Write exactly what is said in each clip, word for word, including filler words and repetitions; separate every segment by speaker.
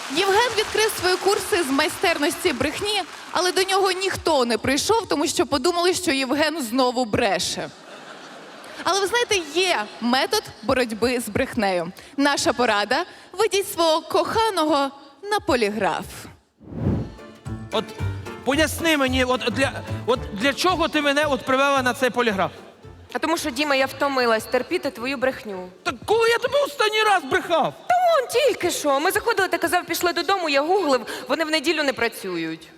Speaker 1: Євген відкрив свої курси з майстерності брехні, але до нього ніхто не прийшов, тому що подумали, що Євген знову бреше. Але ви знаєте, є метод боротьби з брехнею. Наша порада – ведіть свого коханого на поліграф.
Speaker 2: От поясни мені, от для, от для чого ти мене от привела на цей поліграф?
Speaker 3: А тому що, Діма, я втомилась терпіти твою брехню.
Speaker 2: Так коли я тебе останній раз брехав?
Speaker 3: Та вон, тільки що. Ми заходили, ти казав, пішли додому, я гуглив, вони в неділю не працюють.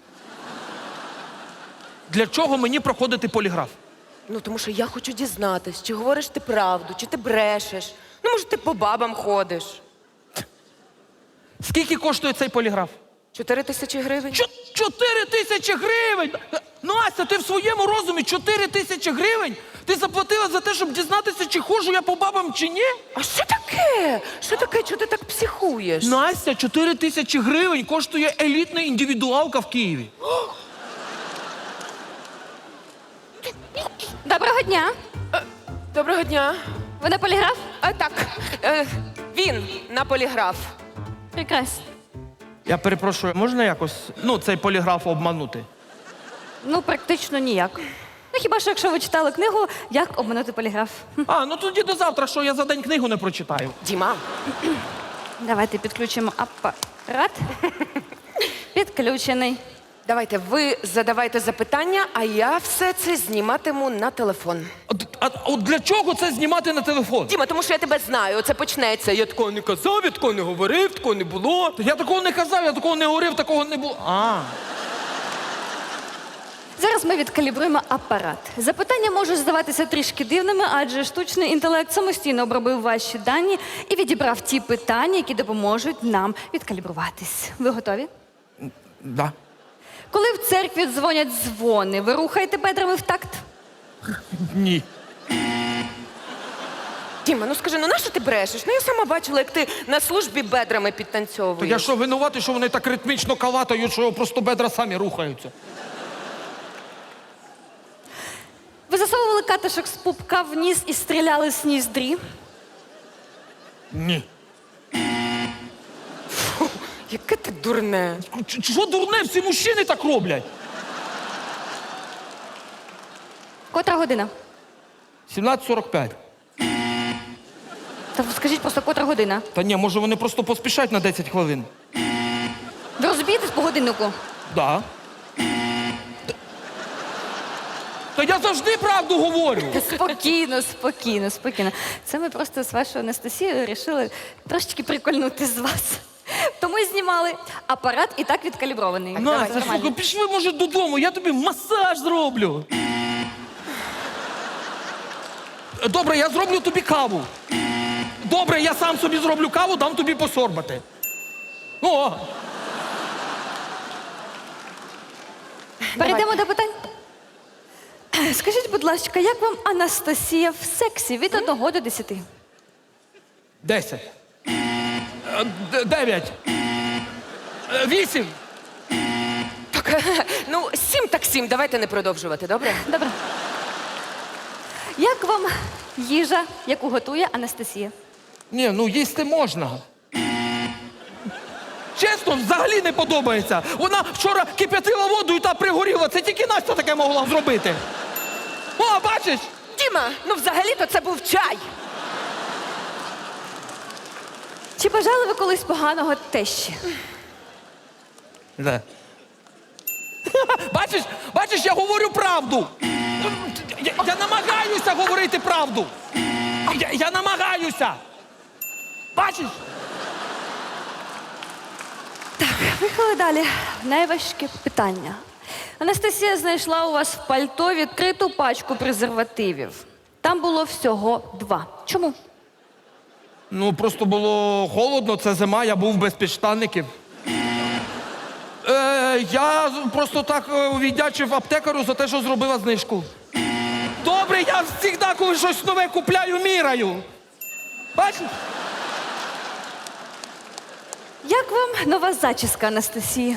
Speaker 2: Для чого мені проходити поліграф?
Speaker 3: Ну, тому що я хочу дізнатись, чи говориш ти правду, чи ти брешеш. Ну, може, ти по бабам ходиш.
Speaker 2: Скільки коштує цей поліграф?
Speaker 3: Чотири тисячі гривень.
Speaker 2: Чо- Чотири тисячі гривень! Настя, ти в своєму розумі чотири тисячі гривень? Ти заплатила за те, щоб дізнатися, чи ходжу я по бабам, чи ні?
Speaker 3: А що таке? Що таке? Чого ти так психуєш?
Speaker 2: Настя, чотири тисячі гривень коштує елітна індивідуалка в Києві.
Speaker 4: Доброго дня.
Speaker 3: Доброго дня.
Speaker 4: Ви на поліграф?
Speaker 3: А, так, е, він на поліграф.
Speaker 4: Прекрасно.
Speaker 2: Я перепрошую, можна якось, ну, цей поліграф обманути?
Speaker 4: Ну, практично ніяк. Ну, хіба що, якщо ви читали книгу «Як обманути поліграф». Хм.
Speaker 2: А, ну тоді до завтра, що я за день книгу не прочитаю.
Speaker 3: Діма.
Speaker 4: Давайте підключимо апарат. Підключений.
Speaker 3: Давайте, ви задавайте запитання, а я все це зніматиму на телефон.
Speaker 2: От, а, от для чого це знімати на телефон?
Speaker 3: Діма, тому що я тебе знаю, оце почнеться. Я такого не казав, я такого не говорив, такого не було.
Speaker 2: Я такого не казав, я такого не говорив, такого не було. А,
Speaker 4: Зараз ми відкалібруємо апарат. Запитання можуть здаватися трішки дивними, адже штучний інтелект самостійно обробив ваші дані і відібрав ті питання, які допоможуть нам відкалібруватись. Ви готові?
Speaker 2: да.
Speaker 4: Коли в церкві дзвонять дзвони, ви рухаєте бедрами в такт?
Speaker 2: Ні.
Speaker 3: Діма, ну скажи, ну нащо ти брешеш? Ну я сама бачила, як ти на службі бедрами підтанцьовуєш.
Speaker 2: То я що, винуватий, що вони так ритмічно калатають, що просто бедра самі рухаються?
Speaker 4: Ви засовували катишок з пупка в ніс і стріляли з ніздрі?
Speaker 2: Ні.
Speaker 3: Яке ти дурне.
Speaker 2: Ч- Що дурне, всі мужчини так роблять?
Speaker 4: Котра година?
Speaker 2: сімнадцять сорок п'ять.
Speaker 4: Та скажіть просто, котра година?
Speaker 2: Та ні, може вони просто поспішають на десять хвилин.
Speaker 4: Ви розумієтесь по годиннику?
Speaker 2: Да. Та- Та я завжди правду говорю.
Speaker 4: Спокійно, спокійно, спокійно. Це ми просто з вашою Анастасією вирішили трошечки прикольнути з вас. Тому і знімали. Апарат і так відкалібрований.
Speaker 2: Настя,
Speaker 4: Це нормально.
Speaker 2: слухай, пішли, може, додому, я тобі масаж зроблю. Добре, я зроблю тобі каву. Добре, я сам собі зроблю каву, дам тобі посорбати. О!
Speaker 4: Перейдемо до питань. Скажіть, будь ласка, як вам Анастасія в сексі від одного до десяти?
Speaker 2: Десять. Е, д- Дев'ять. Е, Вісім.
Speaker 3: Так, ну сім так сім, давайте не продовжувати, добре?
Speaker 4: Добре. Як вам їжа, яку готує Анастасія?
Speaker 2: Ні, ну їсти можна. Чесно, взагалі не подобається. Вона вчора кип'ятила воду і та пригоріла. Це тільки Настя таке могла зробити. О, бачиш?
Speaker 3: Діма, ну взагалі-то це був чай.
Speaker 4: Чи бажали ви колись поганого тещі?
Speaker 2: Де? Бачиш, бачиш, я говорю правду. Я, я намагаюся говорити правду. Я, я намагаюся. Бачиш?
Speaker 4: Поїхали далі. Найважке питання. Анастасія знайшла у вас в пальто відкриту пачку презервативів. Там було всього два. Чому?
Speaker 2: Ну, просто було холодно, це зима, я був без підштанників. Е, я просто так е, віддячив аптекару за те, що зробила знижку. Добре, я завжди, коли щось нове купляю, міряю. Бачиш?
Speaker 4: Як вам нова зачіска Анастасії?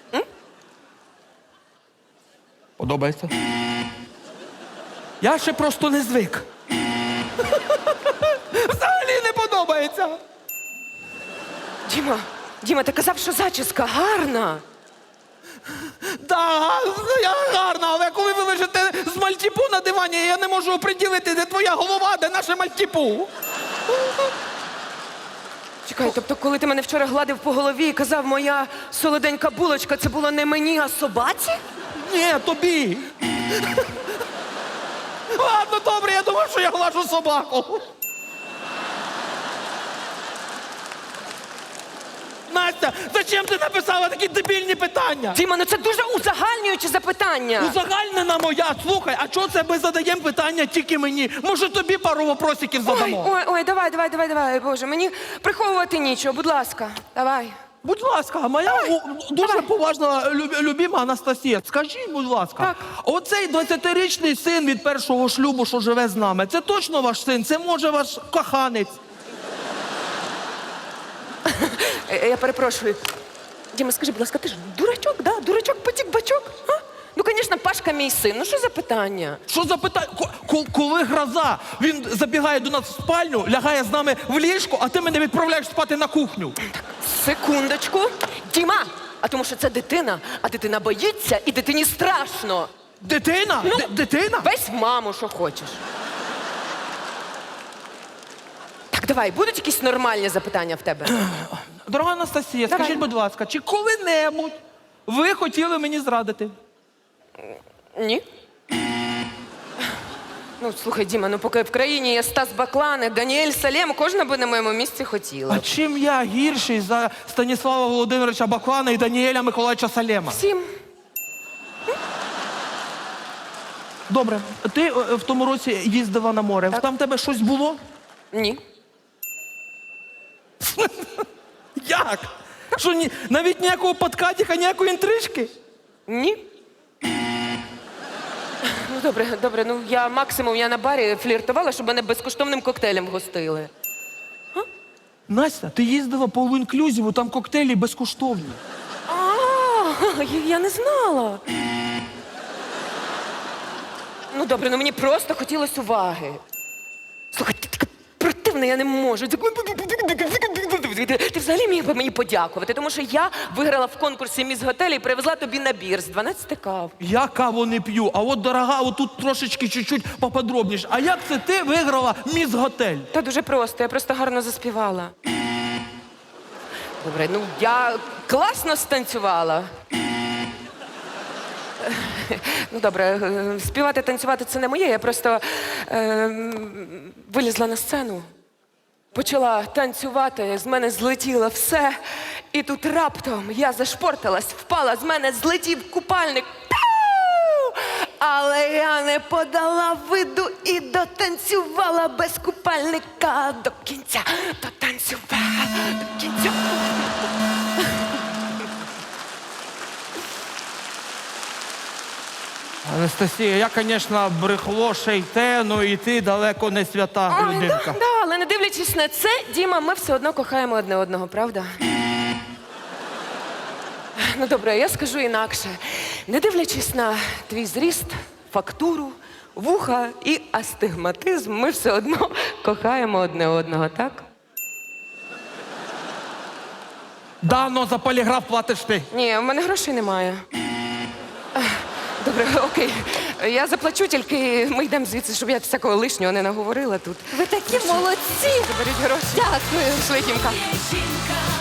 Speaker 2: Подобається? Я ще просто не звик. Взагалі не подобається.
Speaker 3: Діма, Діма, ти казав, що зачіска гарна.
Speaker 2: Да, я гарна, але коли ви лежите з мальтіпу на дивані, я не можу оприділити, де твоя голова, де наше мальтіпу.
Speaker 3: Чекай, тобто, коли ти мене вчора гладив по голові і казав, моя солоденька булочка, це було не мені, а собаці?
Speaker 2: Ні, тобі. Ладно, добре, я думав, що я глажу собаку. Настя, зачем ти написала такі дебільні питання?
Speaker 3: Діма, ну це дуже узагальнююче запитання.
Speaker 2: Узагальнена моя, слухай, а чого це ми задаємо питання тільки мені? Може тобі пару вопросиків
Speaker 3: Ой,
Speaker 2: задамо?
Speaker 3: ой, ой, давай, давай, давай, давай, Боже, мені приховувати нічого, будь ласка, давай.
Speaker 2: Будь ласка, моя у- дуже поважна люб- любима Анастасія, скажіть, будь ласка,
Speaker 3: Так.
Speaker 2: оцей двадцятирічний син від першого шлюбу, що живе з нами, це точно ваш син? Це може ваш коханець?
Speaker 3: Е, Я перепрошую. Діма, скажи, будь ласка, ти ж дурачок, да? Дурачок, потік, бачок? А? Ну, звісно, Пашка мій син. Ну, що за питання?
Speaker 2: Що за питання? Ко- ко- Коли гроза, він забігає до нас в спальню, лягає з нами в ліжко, а ти мене відправляєш спати на кухню.
Speaker 3: Секундочку. Діма! А тому що це дитина, а дитина боїться і дитині страшно.
Speaker 2: Дитина?
Speaker 3: Ну,
Speaker 2: Д- Дитина?
Speaker 3: Весь в маму, що хочеш. Так, давай, будуть якісь нормальні запитання в тебе?
Speaker 2: Дорога Анастасія,
Speaker 3: Давай.
Speaker 2: скажіть, будь ласка, чи коли-небудь ви хотіли мені зрадити?
Speaker 3: Ні. Ну, слухай, Діма, ну поки в країні є Стас Баклан, Даніель Салем, кожна би на моєму місці хотіла.
Speaker 2: А чим я гірший за Станіслава Володимировича Баклана і Даніеля Миколаївича Салема?
Speaker 3: Всім.
Speaker 2: Добре, ти е, в тому році їздила на море.
Speaker 3: Так.
Speaker 2: Там в тебе щось було?
Speaker 3: Ні.
Speaker 2: Як? Що ні, навіть ніякого подкатіка, ніякої інтрижки?
Speaker 3: Ні. Ну, добре, добре, ну я максимум я на барі фліртувала, щоб мене безкоштовним коктейлем гостили.
Speaker 2: Настя, ти їздила по all-inclusive, там коктейлі безкоштовні.
Speaker 3: А, я- я не знала. Ну, добре, ну мені просто хотілося уваги. Слухай, ти така противна, я не можу. Ти взагалі міг би мені подякувати, тому що я виграла в конкурсі «Міс Готель» і привезла тобі набір з дванадцяти кав.
Speaker 2: Я каву не п'ю, а от дорога, от тут трошечки чуть-чуть поподробніше. А як це ти виграла міс готель?
Speaker 3: Та дуже просто, я просто гарно заспівала. Добре, ну я класно станцювала. Ну, добре, е, співати, танцювати це не моє. Я просто е, м, вилізла на сцену, почала танцювати, з мене злетіло все. І тут раптом я зашпорталась, впала, з мене злетів купальник. Пау! Але я не подала виду і дотанцювала без купальника до кінця. Дотанцювала до кінця.
Speaker 2: Анастасія, я, звісно, брехло ще й те, ну і ти далеко не свята
Speaker 3: Ой,
Speaker 2: людинка.
Speaker 3: да, да, але не дивлячись на це, Діма, ми все одно кохаємо одне одного, правда? Ну добре, я скажу інакше. Не дивлячись на твій зріст, фактуру, вуха і астигматизм, ми все одно кохаємо одне одного, так?
Speaker 2: Да, но за поліграф платиш ти.
Speaker 3: Ні, в мене грошей немає. Ех, Добре, окей. Я заплачу, тільки ми йдемо звідси, щоб я всякого лишнього не наговорила тут.
Speaker 4: Ви такі молодці!
Speaker 3: Заберіть гроші.
Speaker 4: Дякую.
Speaker 3: Пішли, Дімка.
Speaker 5: Жінка